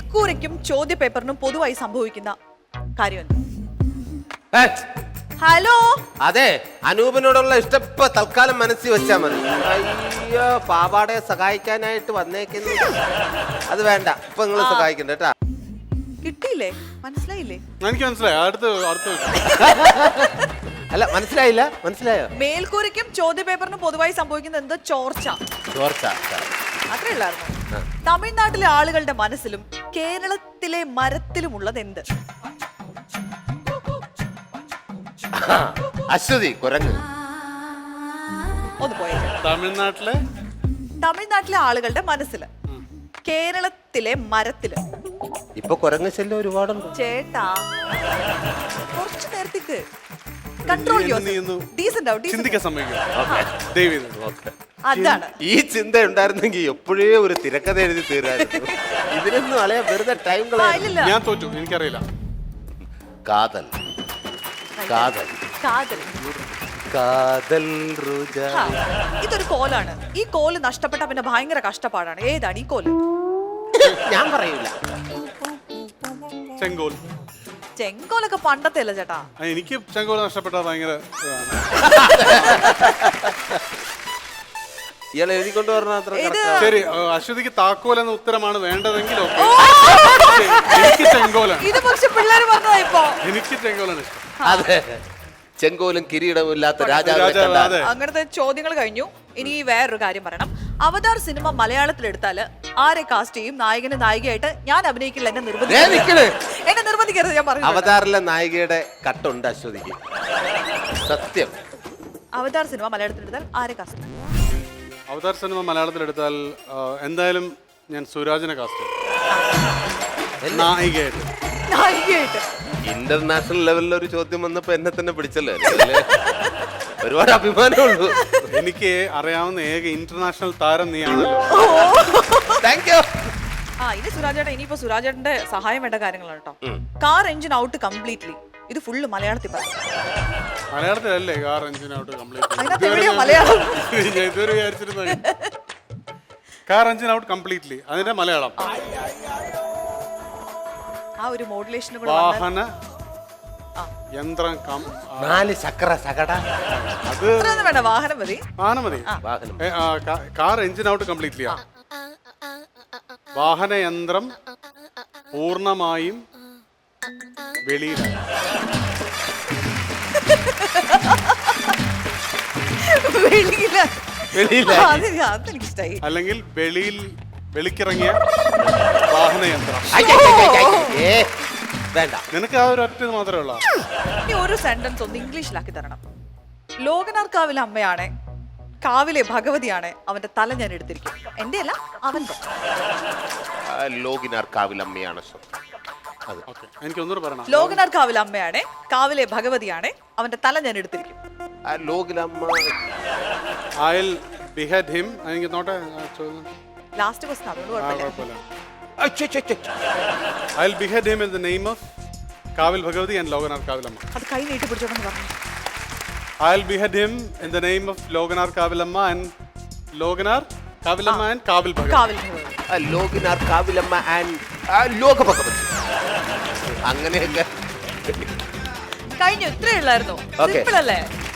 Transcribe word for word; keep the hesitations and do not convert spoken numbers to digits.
മേൽക്കൂരയ്ക്കും ചോദ്യ പേപ്പറിനും പൊതുവായി സംഭവിക്കുന്ന കാര്യമല്ല. ഏ, ഹലോ, അതെ അനൂപിനോടുള്ള ഇഷ്ടം ഇപ്പൊ തൽക്കാലം മനസ്സിൽ വെച്ചാ മതി. അയ്യോ പാവാടയെ സഹായിക്കാനായിട്ട് വന്നേക്കുന്നു. അത് വേണ്ട, ഇപ്പൊ നിങ്ങൾ സഹായിക്കണ്ട കേട്ടാ. കിട്ടിയില്ലേ? മനസ്സിലായില്ലേ? എനിക്ക് മനസ്സിലായി. അടുത്ത് അടുത്ത് അല്ല മനസ്സിലായില്ല. മനസ്സിലായോ? മേൽക്കൂരയ്ക്കും ചോദ്യ പേപ്പറിനും പൊതുവായി സംഭവിക്കുന്ന എന്ത്? ചോർച്ച. ചോർച്ച. അത്രേ ഉള്ളായിരുന്നു. തമിഴ്നാട്ടിലെ ആളുകളുടെ മനസ്സിലും കേരളത്തിലെ മരത്തിലുമുള്ളത് എന്ത്? അശ്വതി കുരങ്ങ്. ഒന്ന് പോയത്. തമിഴ്നാട്ടിലെ തമിഴ്നാട്ടിലെ ആളുകളുടെ മനസ്സില് കേരളത്തിലെ മരത്തില്. ഇപ്പൊ കുരങ്ങ് ശല്യം ഒരുപാടുണ്ട് ചേട്ടാ, കുറച്ചു നേരത്തേക്ക് കൺട്രോൾ ചിന്തിക്കാൻ സമ്മതിക്കും. അതാണ് ഈ ചിന്ത ഉണ്ടായിരുന്നെങ്കിൽ എപ്പോഴേ ഒരു തിരക്കഥ എഴുതി തീരായിരുന്നു. ഇതിനൊന്നും അളയാ വെറുതെ ടൈം കളയാ. ഞാൻ തോറ്റു, എനിക്കറിയില്ല. കാതൽ കാതൽ കാതൽ കാതൽ റുജ. ഹാ, ഇതൊരു കോലാണ്. ഈ കോല് നഷ്ടപ്പെട്ട പിന്നെ ഭയങ്കര കഷ്ടപ്പാടാണ്. ഏതാണ് ഈ കോല്? ഞാൻ പറയൂല. ചെങ്കോൽ. ചെങ്കോലൊക്കെ പണ്ടത്തെ അല്ല ചേട്ടാ. ആ, എനിക്ക് ചെങ്കോൽ നഷ്ടപ്പെട്ട ഭയങ്കര ഇതാണ്. ഇയാൾ എഴുതിക്കൊണ്ട് പറഞ്ഞ അത്ര ഇത് ശരി, അശ്വതിക്ക് താക്കോൽ എന്ന ഉത്തരമാണ് വേണ്ടതെങ്കിൽ ഓക്കെ. എനിക്ക് ചെങ്കോലാണ്. ഇത് പക്ഷെ പിള്ളേർ പറഞ്ഞതാ ഇപ്പൊ. എനിക്ക് ചെങ്കോലാണ് ഇഷ്ടം. അതെ, ചെങ്കോലും കിരീടവും ഇല്ലാത്ത രാജാവ്. രാജാവ്, അതെ. അങ്ങനത്തെ ചോദ്യങ്ങൾ കഴിഞ്ഞു. ഇനി വേറൊരു കാര്യം പറയണം. അവതാർ സിനിമ മലയാളത്തിൽ എടുത്താല് ആരെ കാസ്റ്റ് ചെയ്യും? നായകന് നായികയായിട്ട് ഞാൻ അഭിനയിക്കില്ല. എന്നെ നിർബന്ധിക്കരുത്. എന്നെ നിർബന്ധിക്കരുത്, ഞാൻ പറഞ്ഞു. അവതാറിലെ നായികയുടെ കട്ടുണ്ട് അശ്വതിക്ക്. സത്യം. അവതാർ സിനിമ മലയാളത്തിൽ എടുത്താൽ ആരെ കാസ്റ്റ്? അവതാർ സിനിമ മലയാളത്തിൽ എടുത്താൽ എന്തായാലും ഞാൻ സുരാജിനെ കാസ്റ്റ് ചെയ്യും നായികയായിട്ട്. നായികയായിട്ട് ഇന്റർനാഷണൽ ലെവലിൽ ഒരു ചോദ്യം വന്നപ്പോ എന്നെ തന്നെ പിടിച്ചല്ലേ. ഒരുപാട് അഭിമാനമുള്ളൂ. എനിക്ക് അറിയാവുന്ന ഏക ഇന്റർനാഷണൽ താരം നീയാണല്ലോ. Thank you. ആ, ഇനി സുരാജേട്ടൻ, ഇനിയിപ്പോ സുരാജേട്ടന്റെ സഹായം വേണ്ട കാര്യങ്ങളാണ് കേട്ടോ. Car engine out completely. ഇത് ഫുള്ള് മലയാളത്തിൽ പറഞ്ഞു. മലയാളത്തിലല്ലേ കാർ എഞ്ചിൻ ഔട്ട് കംപ്ലീറ്റ്? ഞാൻ ഇതുവരെ വിചാരിച്ചിരുന്നത് കാർ എഞ്ചിൻ ഔട്ട് കംപ്ലീറ്റ്ലി. അതിന്റെ മലയാളം ആ ഒരു മോഡുലേഷൻ വാഹന യന്ത്രം കം നാല് ചക്ര സകട. അത് വേണ്ട, വാഹനം മതി. വാഹനം മതി. വാഹനം. Car engine out completely. വാഹന യന്ത്രം പൂർണ്ണമായും വെളിയിലാണ്. അല്ലെങ്കിൽ വെളിയിൽ വെളിക്കിറങ്ങിയ വാഹനയന്ത്രം. വേണ്ട, നിനക്ക് ആ ഒരു ഒറ്റ മാത്രമേ ഉള്ളൂ. ഇനി ഒരു സെന്റൻസ് ഒന്ന് ഇംഗ്ലീഷിലാക്കി തരണം. ലോകനാർ കാവിലെ അമ്മയാണ്, കാവിലെ ഭഗവതിയാണ്, അവന്റെ തല ഞാൻ എടുത്തിരിക്കും. എന്റെ അല്ല, അവന്റെ. ലോകിനാർ കാവിലമ്മയാണ്. എനിക്ക് ഒന്നുകൂടെ പറയണം. ലോകനാർ കാവിലെ അമ്മയാണ്, കാവിലെ ഭഗവതിയാണ്, അവന്റെ തല ഞാൻ എടുത്തിരിക്കും. I'll behead him. എനിക്ക് നോട്ടെ ലാസ്റ്റ് ക്വസ്റ്റ്യൻ അതുകൊണ്ട് കുഴപ്പമില്ല. I'll behead him in the name of കാവിൽ ഭഗവതി and ലോകനാർ കാവിലമ്മ. അത് കൈ നീട്ടി പിടിച്ചോണ്ടെന്ന് പറഞ്ഞു. I'll behead him in the name of Lokanar കാവിലമ്മ and Lokanar കാവിലമ്മ and കാവിൽ ഭഗവതി. കാവിൽ ഭഗവതി. ലോകനാർ കാവിലമ്മ and ലോക ഭഗവതി. അങ്ങനെയൊക്കെ കഴിഞ്ഞു. ഇത്രേ ഉള്ളായിരുന്നു. സിമ്പിൾ അല്ലേ?